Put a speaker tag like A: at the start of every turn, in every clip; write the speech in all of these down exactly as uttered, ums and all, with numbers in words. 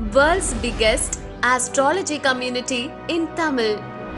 A: World's biggest astrology community in Tamil.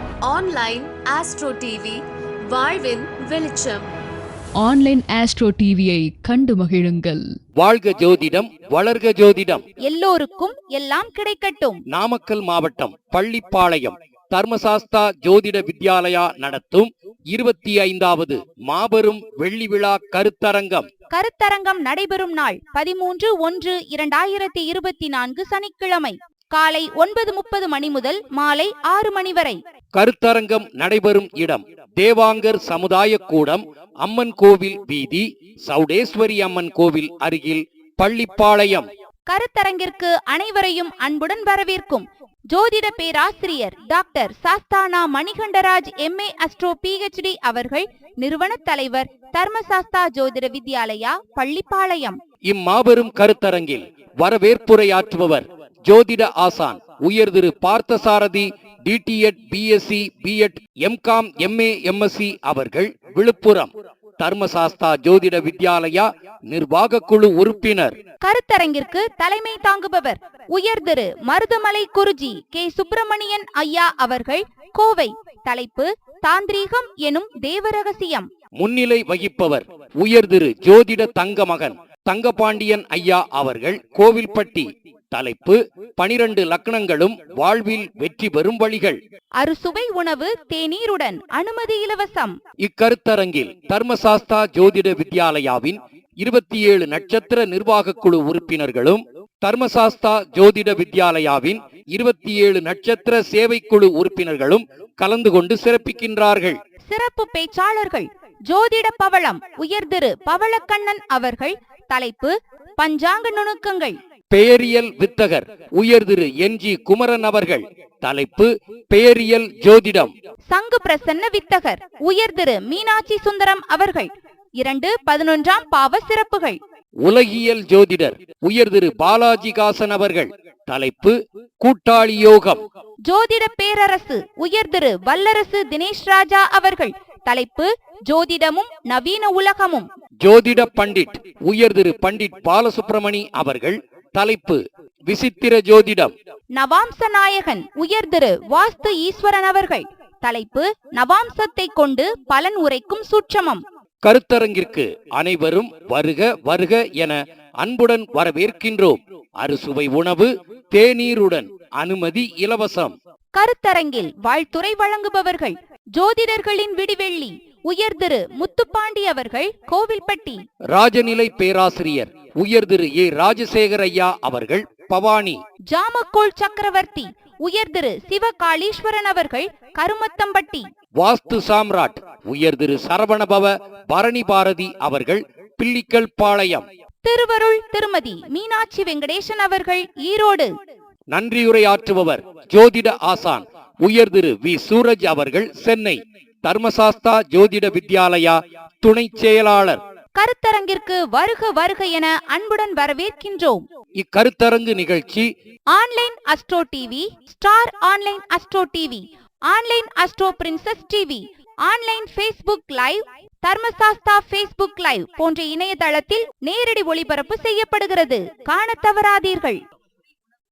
A: Online Astro T V, வாழ்வின் வெளிச்சம்.
B: Online astro டிவியை கண்டு மகிழுங்கள்.
C: வாழ்க ஜோதிடம், வளர்க ஜோதிடம்.
D: எல்லோருக்கும் எல்லாம் கிடைக்கட்டும்.
C: நாமக்கல் மாவட்டம் பள்ளிப்பாளையம் தர்மசாஸ்தா ஜோதிட வித்யாலயா நடத்தும் இருபத்தி ஐந்தாவது மாபெரும் வெள்ளி விழா கருத்தரங்கம்.
D: கருத்தரங்கம் நடைபெறும் நாள் பதிமூன்று ஒன்று இரண்டாயிரத்தி இருபத்தி நான்கு சனிக்கிழமை காலை ஒன்பது முப்பது மணி முதல் மாலை ஆறு மணி வரை.
C: கருத்தரங்கம் நடைபெறும் இடம் தேவாங்கர் சமுதாய கூடம், அம்மன் கோவில் வீதி, சௌடேஸ்வரி அம்மன் கோவில் அருகில், பள்ளிப்பாளையம்.
D: கருத்தரங்கிற்கு அனைவரையும் அன்புடன் வரவேற்கும் ஜோதிட பேராசிரியர் doctor Sasthana Manikandaraj M A astro P H D அவர்கள், நிறுவன தலைவர், தர்மசாஸ்தா ஜோதிட வித்யாலயா, பள்ளிப்பாளையம்.
C: இம்மாபெரும் கருத்தரங்கில் வரவேற்புரையாற்றுபவர் ஜோதிட ஆசான் உயர் Thiru Parthasarathy DTEd BSc BEd MCom MA MSc அவர்கள், விழுப்புரம். தர்மசாஸ்தா ஜோதிட வித்யாலயா நிர்வாக குழு உறுப்பினர்.
D: கருத்தரங்கிற்கு தலைமை தாங்குபவர் உயர் திரு மருதமலை குருஜி கே சுப்பிரமணியன் ஐயா அவர்கள், கோவை. தலைப்பு தாந்திரீகம் எனும் தேவரகசியம்.
C: முன்னிலை வகிப்பவர் உயர் திரு ஜோதிட தங்கமகன் தங்கபாண்டியன் ஐயா அவர்கள், கோவில்பட்டி. தலைப்பு பனிரெண்டு லக்னங்களும் வாழ்வில் வெற்றி பெறும் வழிகள்.
D: அறுசுவை உணவு தேநீருடன், அனுமதி இலவசம்.
C: இக்கருத்தரங்கில் தர்மசாஸ்தா ஜோதிட வித்யாலயாவின் இருபத்தி ஏழு நட்சத்திர நிர்வாக குழு உறுப்பினர்களும், தர்மசாஸ்தா ஜோதிட வித்யாலயாவின் இருபத்தி ஏழு நட்சத்திர சேவைக்குழு உறுப்பினர்களும் கலந்து கொண்டு சிறப்பிக்கின்றார்கள்.
D: சிறப்பு பேச்சாளர்கள் ஜோதிட பவளம் உயர் திரு பவளக்கண்ணன் அவர்கள். தலைப்பு பஞ்சாங்க நுணுக்கங்கள்.
C: பெயரியல் வித்தகர் உயர் திரு என் ஜி குமரன் அவர்கள். தலைப்பு பெயரியல் ஜோதிடம்.
D: சங்கு பிரசன்ன வித்தகர் உயர் திரு மீனாட்சி சுந்தரம் அவர்கள். இரண்டு பதினொன்றாம் பாவ சிறப்புகள்.
C: உலகியல் ஜோதிடர் உயர் திரு பாலாஜிகாசன் அவர்கள். தலைப்பு கூட்டாளி யோகம்.
D: ஜோதிட பேரரசு உயர் திரு வல்லரசு தினேஷ் ராஜா அவர்கள். தலைப்பு ஜோதிடமும் நவீன உலகமும்.
C: ஜோதிட பண்டிட் உயர் திரு பண்டிட் பாலசுப்ரமணி அவர்கள். தலைப்பு விசித்திர ஜோதிடம்.
D: நவாம்ச நாயகன் உயர் திரு வாஸ்து ஈஸ்வரன் அவர்கள். தலைப்பு நவாம்சத்தை கொண்டு பலன் உரைக்கும் சூட்சமம்.
C: கருத்தரங்கிற்கு அனைவரும் வருக வருக என அன்புடன் வரவேற்கின்றோம். அறுசுவை உணவு தேநீருடன், அனுமதி இலவசம்.
D: கருத்தரங்கில் வாழ்த்துரை வழங்குபவர்கள் ஜோதிடர்களின் விடிவெள்ளி உயர் திரு முத்துப்பாண்டி அவர்கள், கோவில்பட்டி.
C: ராஜநிலை பேராசிரியர் உயர் திரு ஏ ராஜசேகர் ஐயா அவர்கள், பவானி.
D: ஜாமக்கோள் சக்கரவர்த்தி உயர் திரு சிவகாளீஸ்வரன் அவர்கள், கருமத்தம்பட்டி.
C: வாஸ்து சாம்ராட் உயர் திரு சரவணபவ பரணி பாரதி அவர்கள், பிள்ளிக்கல் பாளையம்.
D: திருவருள் திருமதி மீனாட்சி வெங்கடேசன் அவர்கள், ஈரோடு.
C: நன்றியுரையாற்றுபவர் ஜோதிட ஆசான் உயர் திரு வி சூரஜ் அவர்கள், சென்னை. தர்மசாஸ்தா ஜோதிட வித்யாலயா துணை செயலாளர்.
D: கருத்தரங்கிற்கு வருக வருக என அன்புடன் வரவேற்கின்றோம்.
C: இக்கருத்தரங்கு நிகழ்ச்சி
D: online astro TV, star online astro TV, online astro princess TV, online Facebook live, Dharmasastha Facebook live போன்ற இணையதளத்தில் நேரடி ஒளிபரப்பு செய்யப்படுகிறது. காண தவறாதீர்கள்.